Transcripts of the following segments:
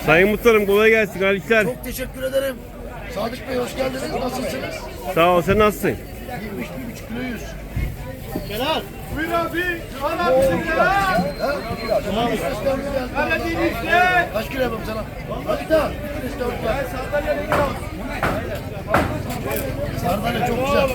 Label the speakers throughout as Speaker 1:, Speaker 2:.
Speaker 1: Sayın Muhtarım kolay gelsin. Hayırlı işler.
Speaker 2: Çok teşekkür ederim. Sadık Bey hoş geldiniz. Nasılsınız?
Speaker 1: Sağ ol. Sen nasılsın?
Speaker 2: 71,5 kilo 100. Celal.
Speaker 3: Buyur abi. Al abi bizim Celal. Karadeniz'de.
Speaker 2: Kaç kilo yapayım sana? Hadi daha. Sardalya çok güzel.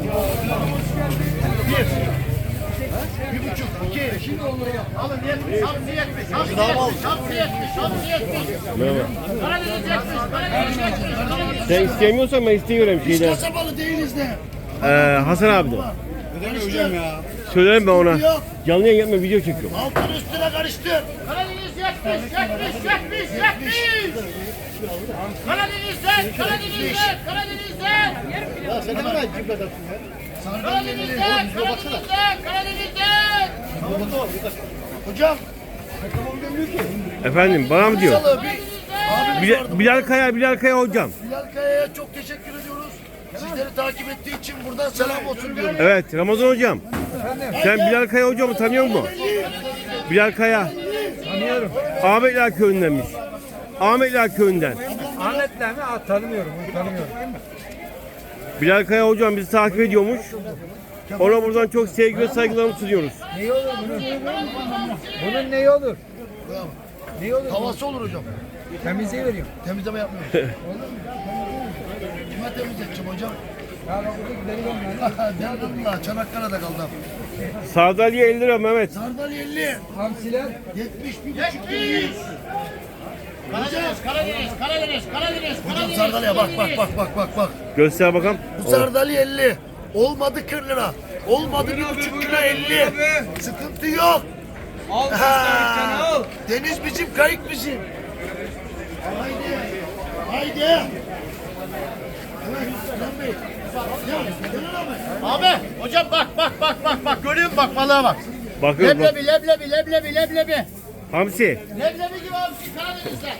Speaker 2: Bir buçuk, iki. Şimdi onları yap.
Speaker 4: Alın 70, hamsi 70, hamsi 70, hamsi 70, hamsi 70.
Speaker 1: Merhaba.
Speaker 4: Karadeniz 70, Karadeniz 70, Karadeniz
Speaker 1: Sen istemiyorsan ben istiyorum
Speaker 2: Biz
Speaker 1: şeyden.
Speaker 2: kasabalı değiliz de.
Speaker 1: Hasan abi de.
Speaker 2: Karıştır.
Speaker 1: Söylerim ben ona.
Speaker 2: Yok.
Speaker 1: Canlı yayın yapma video çekiyorum.
Speaker 2: Altın üstüne karıştır.
Speaker 4: Karadeniz 70, 70, 70, 70. Karadeniz'den, Karadeniz'den, Karadeniz'den.
Speaker 2: Ya sen ne kadar cimri adamsın ya?
Speaker 4: Karadeniz'den, Karadeniz'den, Karadeniz'den.
Speaker 2: Hocam.
Speaker 1: Efendim bana mı diyor?
Speaker 2: Salı bir abimiz vardı.
Speaker 1: Bilal Kaya hocam.
Speaker 2: Bilal Kaya'ya çok teşekkür ediyoruz. Sizleri takip ettiği için buradan selam olsun diyorum.
Speaker 1: Evet Ramazan hocam. Sen Bilal Kaya hocamı tanıyor musun? Bilal Kaya.
Speaker 5: Tanıyorum.
Speaker 1: Ahmetler köyündenmiş. Ahmetler köyünden.
Speaker 5: Ahmetler mi? Tanımıyorum. Onu tanımıyorum.
Speaker 1: Bilal Kaya hocam bizi takip ediyormuş. Ona buradan çok sevgi ve saygılarımı sunuyoruz.
Speaker 5: Neyi olur bunun? Bunun neyi olur? Neyi olur?
Speaker 2: Havası olur hocam.
Speaker 5: Temizliği veriyorum.
Speaker 2: Temizleme yapmıyoruz. Kime temizleteceğim hocam?
Speaker 5: Ya bak burada gidelim ben.
Speaker 2: Allah Çanakkale'de kaldım.
Speaker 1: Sardalya 50 lira Mehmet.
Speaker 2: Sardalya 50.
Speaker 5: Hamsiler.
Speaker 2: 71,5 kilo 100.
Speaker 4: Karadeniz, Karadeniz, Karadeniz, Karadeniz,
Speaker 2: Hocam
Speaker 4: Karadeniz.
Speaker 2: sardalya bak bak bak bak bak bak.
Speaker 1: Göster bakalım.
Speaker 2: Bu sardalya 50. Olmadı 40 lira. Olmadı 1,5 kilo 50. Sıkıntı yok.
Speaker 5: Al
Speaker 2: Ha,
Speaker 5: al.
Speaker 2: deniz bizim, kayık bizim. Haydi. Haydi. Evet, Sinan Bey. Ya, Celal abi.
Speaker 4: Abi, hocam bak, bak, bak, bak, bak. Görüyor musun bak balığa bak.
Speaker 1: Bakıyorum bak.
Speaker 4: Leblebi, leblebi, leblebi, leblebi.
Speaker 1: Hamsi.
Speaker 4: Leblebi gibi hamsi Karadeniz'de.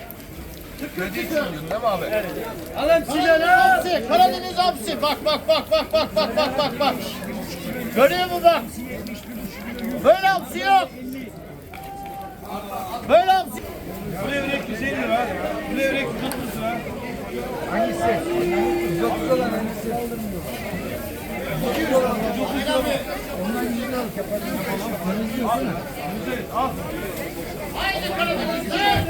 Speaker 5: Alın
Speaker 4: Karadeniz hamsi, Karadeniz hamsi. Bak, bak, bak, bak, bak, bak, bak, bak, bak. Görüyor musun bak? Böyle hamsi yok. Böyle hamsi.
Speaker 3: Bu levrek 150 lira. Bu levrek 130 lira.
Speaker 5: Hangisi? 130 olan hangisi?
Speaker 4: Haydi Karadeniz'de.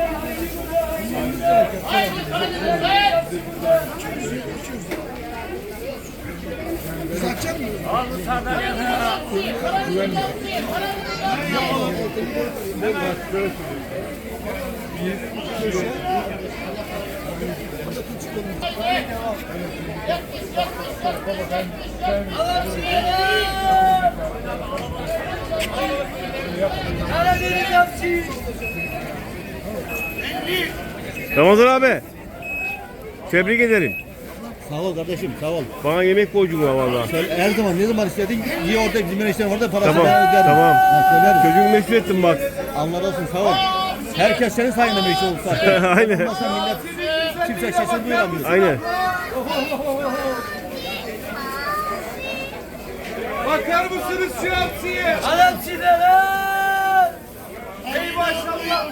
Speaker 4: Haydi Karadeniz'de. Karadeniz hamsi, Karadeniz hamsi, Karadeniz hamsi.
Speaker 5: Karadeniz hamsi.
Speaker 1: Ramazan abi. Tebrik ederim.
Speaker 6: Sağ ol kardeşim, sağ ol.
Speaker 1: Bana yemek borcum var valla.
Speaker 6: Her zaman ne zaman istedin, iyi orada bizim enişten orada parasını
Speaker 1: Tamam,
Speaker 6: ben öderim.
Speaker 1: tamam.
Speaker 6: Ha, söylerim.
Speaker 1: Çocuğumu meşgul ettim bak.
Speaker 6: Allah razı olsun, sağ ol. Herkes senin sayende meşhur oldu zaten.
Speaker 1: Aynen.
Speaker 6: Olmasa millet kimse sesini duyuramıyor.
Speaker 1: Aynen.
Speaker 3: Bakar mısınız şu hamsiye?
Speaker 5: Hamsiler al.
Speaker 3: Ey maşallah.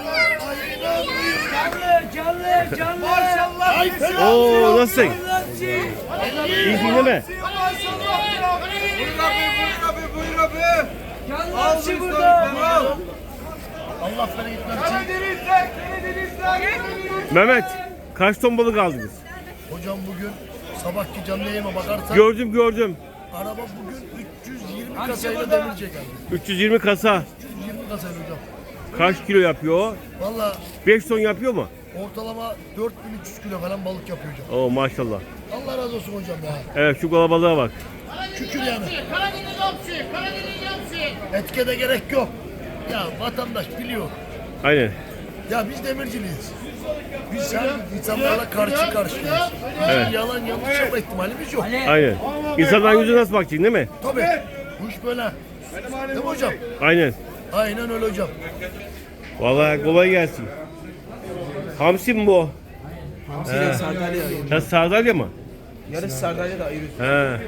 Speaker 5: Canlı, canlı.
Speaker 3: Maşallah.
Speaker 1: Oo nasılsın?
Speaker 5: Hamsi.
Speaker 1: İyisin değil mi?
Speaker 3: Maşallah. Buyur abi, buyur abi.
Speaker 5: Canlı
Speaker 3: Al
Speaker 5: hamsi burada.
Speaker 3: al.
Speaker 2: Allah bereket versin.
Speaker 3: Karadeniz'den, Karadeniz'den.
Speaker 1: Mehmet kaç ton balık aldınız?
Speaker 2: Hocam bugün sabahki canlı yayıma bakarsan
Speaker 1: Gördüm.
Speaker 2: araba bugün 320 kasayla demirciye geldi.
Speaker 1: 320 kasa.
Speaker 2: 320 kasayla hocam.
Speaker 1: Kaç kilo yapıyor o?
Speaker 2: Valla
Speaker 1: 5 ton yapıyor mu?
Speaker 2: ortalama 4300 kilo falan balık yapıyor hocam.
Speaker 1: Oo maşallah.
Speaker 2: Allah razı olsun hocam ya.
Speaker 1: Evet şu kalabalığa bak.
Speaker 2: Şükür yani.
Speaker 4: Karadeniz hamsi, Karadeniz hamsi.
Speaker 2: Etke de gerek yok. Ya vatandaş biliyor.
Speaker 1: Aynen.
Speaker 2: Ya biz demirciliyiz. Biz insanlarla karşı karşıyayız.
Speaker 1: Evet.
Speaker 2: Yalan yanlış yapma ihtimalimiz yok.
Speaker 1: Aynen. İnsanların yüzüne nasıl bakacaksın değil mi?
Speaker 2: Tabii. Bu iş böyle. Değil mi hocam?
Speaker 1: Aynen.
Speaker 2: Aynen öyle hocam.
Speaker 1: Vallahi kolay gelsin. Hamsi mi bu?
Speaker 5: Hamsiyle sardalya ayırıyoruz.
Speaker 1: Ya sardalya mı?
Speaker 5: Yarış sardalya da ayırıyoruz.
Speaker 1: He.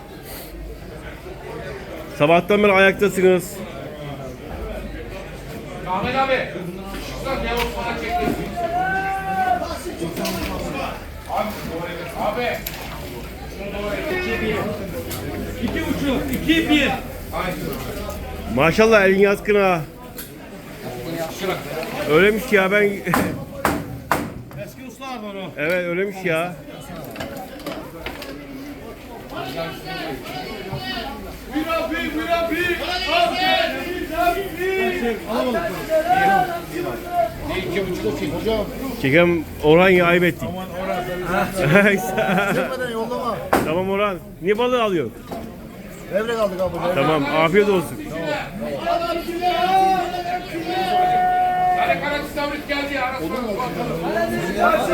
Speaker 1: Sabahtan beri ayaktasınız.
Speaker 3: Ahmet abi. Şuradan Yavuz bana çekti. 2-1.
Speaker 1: Maşallah elin yatkın ha. Öylemiş ya ben.
Speaker 3: Eski ustalar var o.
Speaker 1: Evet öylemiş ya.
Speaker 3: Buyur abi, buyur abi.
Speaker 1: Çekem Orhan ya ayıp ettik.
Speaker 2: Çekmeden yollama.
Speaker 1: Tamam Orhan. Niye balığı alıyor?
Speaker 2: Levrek aldık abi. Levrek.
Speaker 1: Tamam afiyet olsun.
Speaker 3: Sarı kanat istavrit geldi ya.